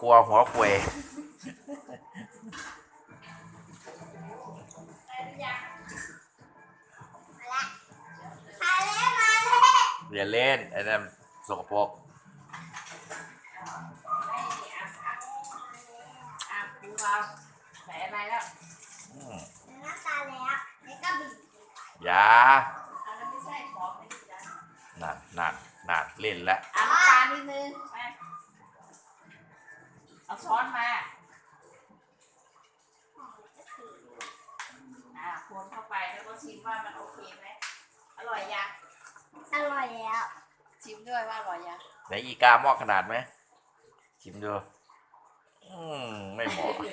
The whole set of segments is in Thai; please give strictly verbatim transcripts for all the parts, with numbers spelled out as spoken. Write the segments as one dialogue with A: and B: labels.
A: ครัวหัวควยเรียนเล่นไอ้นั่นสกปรก
B: ใส่อะไรแล้ว
A: น้
B: ำตาแล้วแล้วก็บีบ
A: ยา
B: อันนั้นไม่ใช่ของไม่ดีนะ
A: นั่นนั่นนั่นเล่นแล้ว
B: เอาน้ำตาลนิดนึงมาเอาช้อนมาอ่าคนเข้าไปแล้วก็ชิมว่ามันโอเคไหมอร่อยยังอร่อยแล้วชิมด้วยว่าอร่อยยัง
A: ไหนอีกาหม้อขนาดไหมชิมดูอืมไม่เหมาะ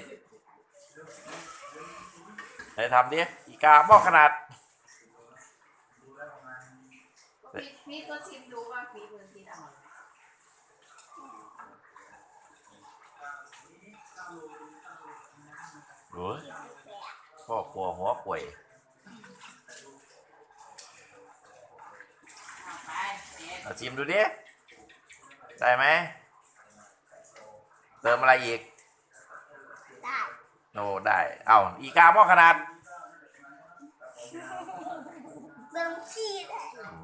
A: ไหนทำดิอีกาหม้อขนาด
B: พี่พี่ก็ชิมดูว่าฝีมือพี่อร่อย
A: โอ้ยพ่อครัวหัวป่วยเอาชิมดูดิได้ไหมเติมอะไรอีก
B: ได้
A: โอ้ได้เอาอีกาหม้อขนาด
B: เติมขี้ได้